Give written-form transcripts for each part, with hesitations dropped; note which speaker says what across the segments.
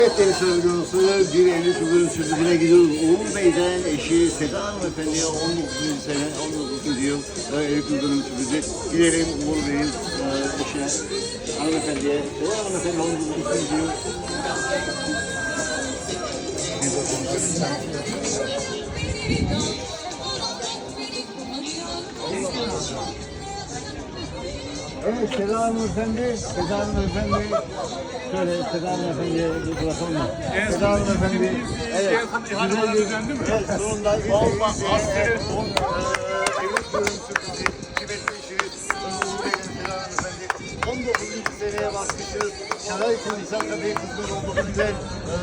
Speaker 1: Evet değerli videosu bir Eylül Kızı'nın sürücüne gidiyoruz. Uğur Bey'den eşi Seda Hanımefendi'ye 19. sene, 19. yıl Eylül Kızı'nın sürücü. Gidelim Uğur Bey'in eşine, hanımefendiye. Seda Hanımefendi 19. yıl. Evet Seda Hanımefendi, Seda Hanımefendi. Şöyle Seda Hanımefendi'ye bir bırakalım mı? Seda Hanımefendi, evet.
Speaker 2: İhaleler düzenli mi?
Speaker 1: Evet, sonunda
Speaker 2: Valla askeri
Speaker 1: son evlilik görüntüsü, kıymetli işiniz, Uğur Bey'in Seda Hanımefendi. 19. seneye bakmışız. Şaray Kılıçlar Kadı'yı kızımız olduğu güzel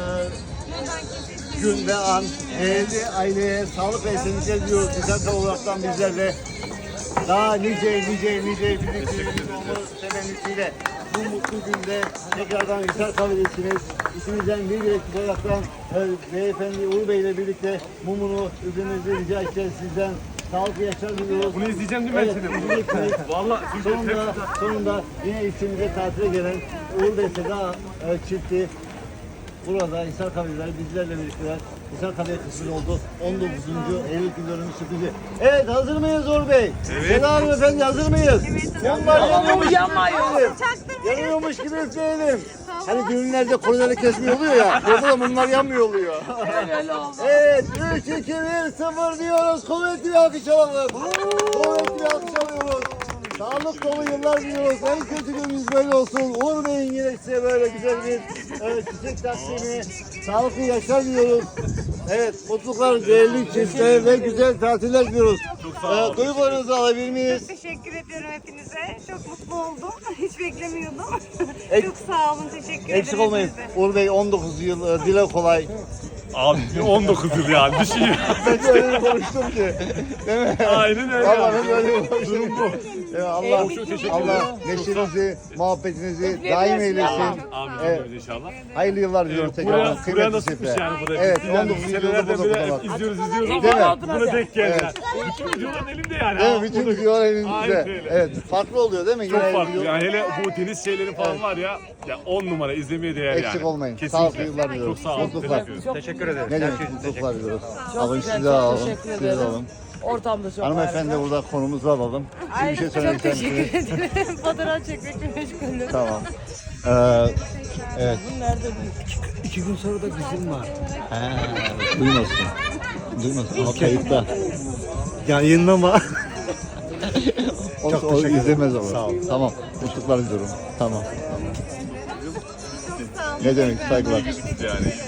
Speaker 1: gün ve an. Evli aileye sağlık ve esenlikler diliyoruz. Güzel olaraktan bizlerle daha nice birliklerimiz olması temennisiyle bu mutlu günde tekrardan güzel kahvedesiniz. İçimizden bir ekip olaraktan beyefendi Uğur Bey ile birlikte mumunu üflemenizi rica edeceğiz sizden. Sağlıklı yaşlar diliyoruz.
Speaker 2: Bunu izleyeceğim değil mi?
Speaker 1: Evet, izleyeceksiniz.
Speaker 2: Valla
Speaker 1: Sonunda yine işimize tatile gelen Uğur Bey Seda çifti burada Hisar Kahveleri bizlerle birlikte Hisar Kahve kısmı oldu. 19. Eylül günlerinin sürprizi. Evet, hazır mıyız Uğur Bey?
Speaker 2: Evet.
Speaker 1: Seda Hanımefendi hazır mıyız?
Speaker 3: Evet.
Speaker 1: Mumlar yanıyormuş.
Speaker 3: Yanmıyor.
Speaker 1: Yanıyormuş gibi üfleyelim. Hani düğünlerde kolileri kesmiyor oluyor ya. Burada da mumlar yanmıyor oluyor.
Speaker 3: Öyle oldu.
Speaker 1: Evet, 3, 2, 1, 0 diyoruz. Kuvvetli bir alkış alalım. Kuvvetli bir alkış alıyoruz. Sağlık dolu yıllar diliyoruz. En kötü günümüz böyle olsun. Uğur Bey'in yine size böyle güzel bir çiçek taksimi, sağlıklı yaşlar diliyoruz. Evet, mutluluklar, değerli çiftler ve güzel tatiller diliyoruz. Duygularınızı alabilir miyiz?
Speaker 3: Çok teşekkür ediyorum hepinize. Çok mutlu oldum. Hiç beklemiyordum.
Speaker 1: Ek-
Speaker 3: Çok sağ olun. Teşekkür ederim.
Speaker 1: Eksik olmayın.
Speaker 3: hepinize.
Speaker 1: Uğur Bey 19 yıl, dile kolay.
Speaker 2: Abi 19 yıl yani düşün ya.
Speaker 1: Ben de öyle konuştum ki. Değil mi?
Speaker 2: Aynen öyle.
Speaker 1: Vallahi ben öyle konuştum.
Speaker 2: Durum bu.
Speaker 1: Allah,
Speaker 2: Çok teşekkür
Speaker 1: Allah
Speaker 2: ederim.
Speaker 1: neşenizi, muhabbetinizi daim eylesin.
Speaker 2: Amin
Speaker 1: Evet.
Speaker 2: inşallah.
Speaker 1: Hayırlı yıllar diliyorum tekrardan.
Speaker 2: Buraya
Speaker 1: Kıymetli
Speaker 2: nasipmiş
Speaker 1: çiftler.
Speaker 2: yani buraya.
Speaker 1: Evet,
Speaker 2: Biz yani
Speaker 1: 19 yılda
Speaker 2: senelerden
Speaker 1: burada
Speaker 2: beri
Speaker 1: bak.
Speaker 2: izliyoruz.
Speaker 1: Değil mi?
Speaker 2: Buna denk geldi.
Speaker 1: Evet.
Speaker 2: Bütün videoların elimde yani.
Speaker 1: Değil mi? Bütün
Speaker 2: Burada-
Speaker 1: videolar
Speaker 2: Aynen
Speaker 1: elinizde.
Speaker 2: öyle.
Speaker 1: Evet, farklı oluyor değil mi?
Speaker 2: Çok
Speaker 1: Yine
Speaker 2: farklı.
Speaker 1: video-
Speaker 2: Yani hele bu deniz şeyleri falan var ya. Ya 10 numara izlemeye değer yani.
Speaker 1: Eksik olmayın.
Speaker 2: Kesinlikle.
Speaker 1: Sağlıklı yıllar diliyorum.
Speaker 2: Çok sağ olun.
Speaker 1: Mutluluklar.
Speaker 2: Teşekkür ederim.
Speaker 1: Ne demek mutluluklar diliyoruz. Alın
Speaker 4: güzel,
Speaker 1: sizi de
Speaker 4: çok
Speaker 1: alalım.
Speaker 4: teşekkür
Speaker 1: Sizi de
Speaker 4: ederim.
Speaker 1: alalım.
Speaker 4: Ortamda çok
Speaker 1: Hanımefendi
Speaker 4: harika.
Speaker 1: burada konumuzu alalım. Siz bir şey söylemek
Speaker 3: Çok
Speaker 1: ister misiniz?
Speaker 3: teşekkür ederim. Fotoğraf çekmekle meşgulüm.
Speaker 1: Tamam. Evet.
Speaker 4: Bu nerede büyük?
Speaker 5: 2 gün sonra da kızım var.
Speaker 1: He, duymasın. Duymasın ama kayıtta.
Speaker 5: Yayınlama.
Speaker 1: O
Speaker 5: Çok teşekkür ederim.
Speaker 1: izlemez ama.
Speaker 5: Sağ olun.
Speaker 1: Tamam. Mutluluklar diliyorum. Tamam.
Speaker 3: Çok sağ olun.
Speaker 1: Ne demek, saygılar.
Speaker 2: Yani